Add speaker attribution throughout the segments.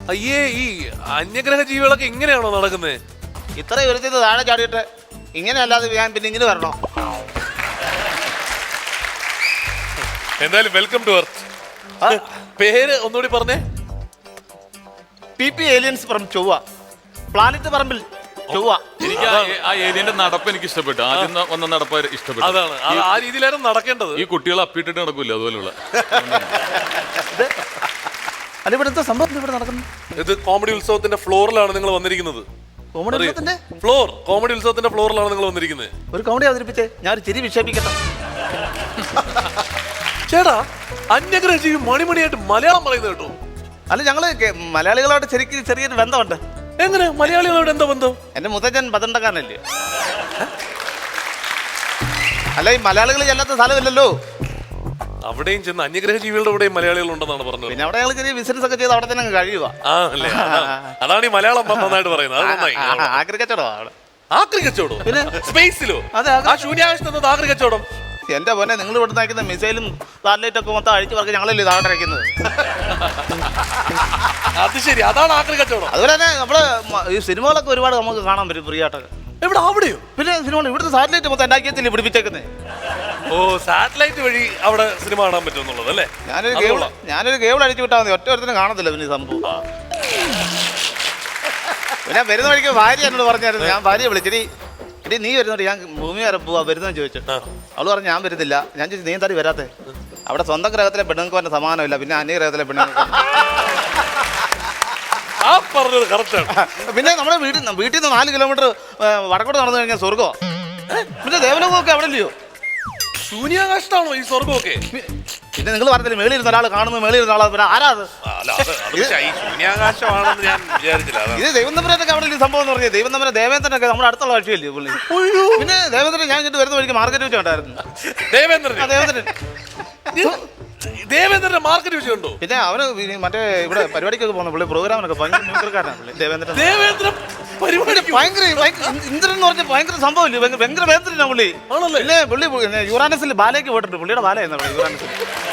Speaker 1: അയ്യേ, ഈ അന്യഗ്രഹ ജീവികളൊക്കെ ഇങ്ങനെയാണോ നടക്കുന്നത്?
Speaker 2: ഇത്ര ഉയരത്തിൽ താഴെ ചാടിയിട്ട് ഇങ്ങനെ അല്ലാതെ ഞാൻ പിന്നെ ഇങ്ങനെ വരണോ?
Speaker 1: എന്തായാലും വെൽക്കം ടു എർത്ത്. പേര് ഒന്നുകൂടി പറഞ്ഞേ.
Speaker 2: PP ഏലിയൻസ് ഫ്രം ചൊവ്വ, പ്ലാനറ്റ് പറമ്പിൽ ചൊവ്വ.
Speaker 3: എനിക്ക് ആ ഏരിയന്റെ നടപ്പ് എനിക്ക് ഇഷ്ടപ്പെട്ടു. ആദ്യം വന്ന നടപ്പ് ഇഷ്ടപ്പെട്ടു.
Speaker 1: അതാണ്, ആ രീതിയിലായിരുന്നു നടക്കേണ്ടത്.
Speaker 3: ഈ കുട്ടികൾ അപ്പിട്ടിട്ട് നടക്കൂല അതുപോലുള്ള.
Speaker 2: അല്ല, ഇവിടെ എന്താ സംഭവം ഇവിടെ നടക്കുന്നു?
Speaker 1: ഇത് കോമഡി ഉത്സവത്തിന്റെ ഫ്ലോറിലാണ് നിങ്ങൾ വന്നിരിക്കുന്നത്. കോമഡി ഉത്സവത്തിന്റെ ഫ്ലോറിലാണ് നിങ്ങൾ വന്നിരിക്കുന്നത്.
Speaker 2: ഒരു കോമഡി അവതരിപ്പിച്ചേ, ഞാൻ ഒരു ചിരി വിക്ഷേപിക്കട്ടെ.
Speaker 1: ചേട്ടാ, അന്യഗ്രഹ ജീവി മണിമണിയായിട്ട് മലയാളം പറയുന്നത് കേട്ടോ.
Speaker 2: അല്ല, ഞങ്ങള് മലയാളികളോട് ശരിക്കും ചെറിയൊരു ബന്ധമുണ്ട്.
Speaker 1: എങ്ങനെ മലയാളികളോട് എന്താ ബന്ധം?
Speaker 2: എന്റെ മുത്തച്ഛൻ പതണ്ടക്കാരനല്ലേ. അല്ല, ഈ മലയാളികൾ ചെല്ലാത്ത സ്ഥലമില്ലല്ലോ.
Speaker 1: അവിടെയും ചെന്ന് അന്യഗ്രഹ ജീവികളുടെ കൂടെയും മലയാളികൾ ഉണ്ടെന്നാണ് പറഞ്ഞത്.
Speaker 2: പിന്നെ അവിടെ ഞങ്ങൾ ചെറിയ ബിസിനസ് ഒക്കെ ചെയ്ത് അവിടെ തന്നെ കഴിയുക.
Speaker 1: അതാണ് ഈ മലയാളം നന്നായിട്ട് പറയുന്നത്. അത് നന്നായി.
Speaker 2: ആക്രി കച്ചവടം.
Speaker 1: ആക്രി കച്ചവടം? പിന്നെ സ്പേസിലോ? ആ ശൂന്യാകാശത്ത് ആക്രി കച്ചവടം?
Speaker 2: എന്റെ പോലെ നിങ്ങൾ ഇവിടെ അയക്കുന്ന മിസൈലും സാറ്റലൈറ്റ് ഒക്കെ മൊത്തം അഴിച്ചു പറഞ്ഞ് ഞങ്ങളല്ലേ താഴെ അയക്കുന്നത്.
Speaker 1: അത് ശരി, അതാണ് ആക്രി കച്ചവടം.
Speaker 2: അതുപോലെ തന്നെ നമ്മള് ഈ സിനിമകളൊക്കെ ഒരുപാട് നമുക്ക് കാണാൻ പറ്റും ഫ്രീ ആയിട്ടൊക്കെ.
Speaker 1: എവിടെ? അവിടെയോ?
Speaker 2: പിന്നെ സിനിമ ഇവിടുത്തെ സാറ്റലൈറ്റ് മൊത്തം ഉണ്ടാക്കിയത്തില്ലേ പിടിപ്പിച്ചേക്കുന്നത്.
Speaker 1: ഓ, സാറ്റലൈറ്റ് വഴി അവിടെ സിനിമ കാണാൻ പറ്റുമെന്നുള്ളത് അല്ലേ?
Speaker 2: ഞാനൊരു കേബിൾ അടിച്ചു വിട്ടാൽ മതി, ഒറ്റ ഒരുത്തിനും കാണത്തില്ല. പിന്നെ സംഭവം പിന്നെ വരുന്ന വഴിക്ക് ഭാര്യ എന്നോട് പറഞ്ഞായിരുന്നു. ഞാൻ ഭാര്യയെ വിളിച്ചിട്ട് എടി നീ വരുന്നുണ്ട്, ഞാൻ ഭൂമി വരെ പോവാ വരുന്നതെന്ന് ചോദിച്ചു. അവള് പറഞ്ഞു ഞാൻ വരുന്നില്ല. ഞാൻ ചോദിച്ചു നീ എന്താടി വരാത്തെ? അവിടെ സ്വന്തം ഗ്രഹത്തിലെ പെണ്ണുങ്ങൾക്ക് പറഞ്ഞ സമാനമില്ല, പിന്നെ അന്യഗ്രഹത്തിലെ പെണ്ണുങ്ങൾക്ക്. പിന്നെ നമ്മുടെ വീട്ടിൽ നിന്ന് 4 കിലോമീറ്റർ വടക്കോട്ട് നടന്നു കഴിഞ്ഞാൽ സ്വർഗോ. പിന്നെ ദേവലോകമൊക്കെ അവിടെ ഇല്ലയോ?
Speaker 1: ശൂന്യാകാശത്താണോ ഈ സ്വർഗമൊക്കെ?
Speaker 2: പിന്നെ നിങ്ങൾ പറഞ്ഞില്ലേ മേളിൽ ഇരുന്ന ഒരാൾ കാണുമ്പോൾ മേളിൽ ഇരുന്ന ആളാ, പിന്നെ ആരാ അത്?
Speaker 1: ശൂന്യാകാശമാണെന്ന് ഞാൻ വിചാരിച്ചില്ല.
Speaker 2: ഇത് ദൈവന്തപുരത്തൊക്കെ അവിടെ ഈ സംഭവം എന്ന് പറഞ്ഞാൽ ദൈവന്തപുരം ദേവേന്ദ്രനൊക്കെ നമ്മുടെ അടുത്തുള്ള കക്ഷിയല്ലേ പുള്ളി. പിന്നെ ദേവേന്ദ്രൻ ഞാൻ ഇങ്ങോട്ട് വരുന്ന വഴിക്ക് മാർക്കറ്റ് വെച്ച് കണ്ടായിരുന്നു.
Speaker 1: ദേവേന്ദ്രന്റെ മാർക്കറ്റ് വെച്ച് കണ്ടോ?
Speaker 2: പിന്നെ അവന് മറ്റേ ഇവിടെ പരിപാടിക്കൊക്കെ പോകുന്ന പുള്ളി പ്രോഗ്രാമിനൊക്കെ ഭയങ്കര മ്യൂസിക്കാരനാണ് പുള്ളി ദേവേന്ദ്രൻ. ഭയങ്കര ഇന്ദ്രൻ എന്ന് പറഞ്ഞാൽ ഭയങ്കര സംഭവമില്ലേ, ഭയങ്കര വേന്ദ്രനാണ് പുള്ളി. പിന്നെ പുള്ളി യുറാനസിൽ ബാലയ്ക്ക് പോയിട്ടുണ്ട്. പുള്ളിയുടെ ബാലയെന്നാ യുറാനസിൽ.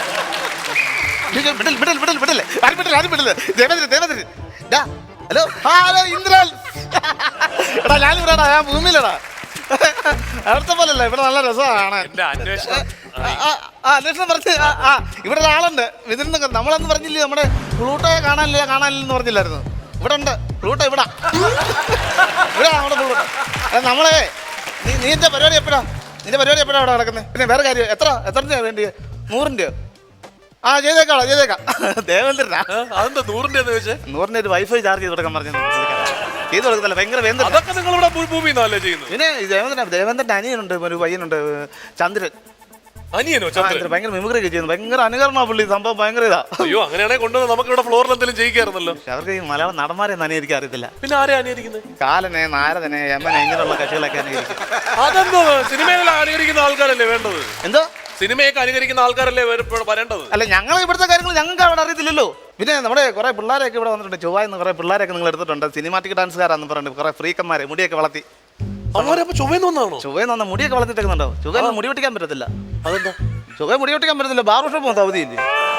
Speaker 2: ഹലോ ഹലോ ഇന്ദ്രൻ, എടാ ഞാനിവിടെടാ, ഞാൻ ഭൂമിയിലടാ. അവിടുത്തെ പോലല്ല, ഇവിടെ നല്ല രസമാണ് അന്വേഷണം പറഞ്ഞ്. ഇവിടെ ഒരാളുണ്ട് ഇതിൽ നമ്മളന്ന് പറഞ്ഞില്ലേ, നമ്മുടെ പ്ലൂട്ടോയെ കാണാനില്ലെന്ന് പറഞ്ഞില്ലായിരുന്നു. ഇവിടെ ഉണ്ട് പ്ലൂട്ടോ, ഇവിടെ നമ്മുടെ പ്ലൂട്ടോ. നമ്മളെ നിന്റെ പരിപാടി എപ്പോഴാ അവിടെ നടക്കുന്നത്? പിന്നെ വേറെ കാര്യം, എത്ര വേണ്ടി? 100 ചെയ്തേക്കാം ദേവേന്ദ്രനാ.
Speaker 1: അതെന്താ 100 ചോദിച്ചേ?
Speaker 2: 100 ഒരു വൈഫൈ ചാർജ് ചെയ്ത് കൊടുക്കാൻ പറഞ്ഞു. ചെയ്ത് കൊടുക്കത്തില്ല, ഭയങ്കര വേന്ദ്രൻ. പിന്നെ ദേവേന്ദ്രന്റെ അനിയനുണ്ട്, ഒരു പയ്യനുണ്ട് ചന്ദ്രൻ.
Speaker 1: അനിയനോ? ചന്ദ്രൻ
Speaker 2: ഭയങ്കര മിമിക്രി ഒക്കെ ചെയ്യുന്നു, ഭയങ്കര അനുകരണ പുള്ളി. സംഭവം ഭയങ്കര ഇതാ.
Speaker 1: അയ്യോ, അങ്ങനെയാണെങ്കിൽ കൊണ്ടുവന്ന് നമുക്ക് ഇവിടെ ഫ്ലോറിൽ എന്തെങ്കിലും ചെയ്യിക്കായിരുന്നല്ലോ.
Speaker 2: അവർക്ക് ഈ മലയാളം നടന്മാരെ അനുകരിക്കാൻ അറിയത്തില്ല.
Speaker 1: പിന്നെ ആരെ അനുകരിക്കുന്നത്?
Speaker 2: കാലനെ, നാരദനെ, യമനെ, ഇങ്ങനെയുള്ള കക്ഷികളൊക്കെ അനുകരിക്കും.
Speaker 1: അതെന്തോ സിനിമയിലെല്ലാം അനുകരിക്കുന്ന ആൾക്കാരല്ലേ വേണ്ടത്?
Speaker 2: എന്തോ
Speaker 1: സിനിമയൊക്കെ അനുകരിക്കുന്ന ആൾക്കാരല്ലേ വരേണ്ടത്?
Speaker 2: അല്ല, ഞങ്ങൾ ഇവിടുത്തെ കാര്യങ്ങൾ ഞങ്ങൾക്ക് അവിടെ അറിയത്തില്ലല്ലോ. പിന്നെ നമ്മുടെ കുറെ പിള്ളേരൊക്കെ ഇവിടെ വന്നിട്ടുണ്ട്. ചൊവ്വായെന്ന് കുറെ പിള്ളേരൊക്കെ നിങ്ങൾ എടുത്തിട്ടുണ്ട്. സിനിമാറ്റിക് ഡാൻസുകാരാന്ന് പറഞ്ഞിട്ട് കുറെ ഫ്രീക്കന്മാരെ മുടിയൊക്കെ വളർത്തി. ചൊവ്വയിൽ വന്ന മുടിയൊക്കെ വളർത്തിട്ടേക്കുന്നുണ്ടോ? ചൊവ്വയിൽ മുടി വെട്ടിക്കാൻ പറ്റത്തില്ല. അതെന്താ ചൊവ്വ മുടി വെട്ടിക്കാൻ പറ്റത്തില്ല? ബാർബർ ഷോപ്പ് മൊത്തം അവധിയില്ലേ?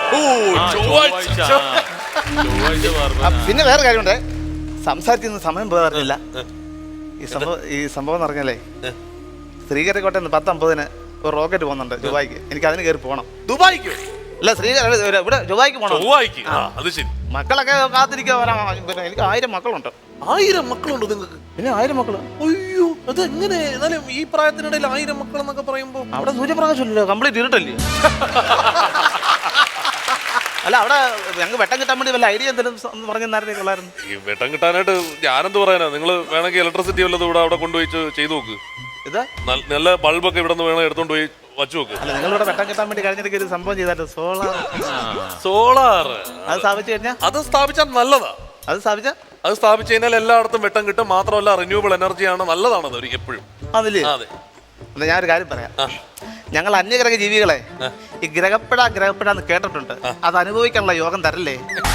Speaker 2: പിന്നെ വേറെ കാര്യമുണ്ട്, സംസാരിക്കുന്ന സമയം പോകാറില്ല. ഈ സംഭവം എന്ന് പറഞ്ഞാലേ, ശ്രീകരക്കോട്ടയിൽ 10:50 ഒരു റോക്കറ്റ് പോകുന്നുണ്ട് ദുബായിക്ക്. എനിക്ക് അതിന് കയറി പോകണം.
Speaker 1: ദുബായിക്ക്?
Speaker 2: അല്ല, ഇവിടെ ദുബായിക്ക് പോകണം.
Speaker 1: അത് ശരി.
Speaker 2: മക്കളൊക്കെ കാത്തിരിക്കാൻ വരാം. പിന്നെ എനിക്ക് 1000 മക്കളുണ്ട്.
Speaker 1: 1000 മക്കളുണ്ടോ നിങ്ങൾക്ക്?
Speaker 2: പിന്നെ 1000 മക്കള്.
Speaker 1: അയ്യോ, അത് എങ്ങനെ? എന്നാലും ഈ പ്രായത്തിനിടയിൽ 1000 മക്കൾ എന്നൊക്കെ പറയുമ്പോ
Speaker 2: അവിടെ സൂര്യപ്രകാശമില്ലല്ലോ, കംപ്ലീറ്റ് ഇരുട്ടല്ലേ. അല്ല, അവിടെ ഞങ്ങൾക്ക് വെട്ടം കിട്ടാൻ വേണ്ടി വല്ല ഐഡിയ എന്തെങ്കിലും പറഞ്ഞായിരുന്നു.
Speaker 1: ഈ വെട്ടം കിട്ടാനായിട്ട് ഞാനെന്ത് പറയാനാ? നിങ്ങൾ വേണമെങ്കിൽ ഇലക്ട്രിസിറ്റി വല്ലതും ഇവിടെ അവിടെ കൊണ്ടുപോയി ചെയ്തു നോക്ക്.
Speaker 2: ഇതാ
Speaker 1: നല്ല ബൾബൊക്കെ ഇവിടെ നിന്ന് വേണം എടുത്തോണ്ട് പോയി വച്ചു നോക്ക്.
Speaker 2: അല്ല, നിങ്ങളിവിടെ വെട്ടം കിട്ടാൻ വേണ്ടി കഴിഞ്ഞിട്ട് ഒരു സംഭവം ചെയ്താൽ
Speaker 1: സോളാർ
Speaker 2: അത് സ്ഥാപിച്ചു കഴിഞ്ഞാൽ
Speaker 1: അത് സ്ഥാപിച്ചാൽ നല്ലതാ. അത് സ്ഥാപിച്ചു കഴിഞ്ഞാൽ എല്ലായിടത്തും വെട്ടം കിട്ടും. മാത്രമല്ല റിന്യൂവബിൾ എനർജിയാണ്, നല്ലതാണത് എപ്പോഴും.
Speaker 2: അതില്ലേ? അതെ. എന്നാ ഞാനൊരു കാര്യം പറയാം. ഞങ്ങൾ അന്യഗ്രഹ ജീവികളെ ഈ ഗ്രഹപ്പെടാന്ന് കേട്ടിട്ടുണ്ട്. അത് അനുഭവിക്കാനുള്ള യോഗം തരല്ലേ?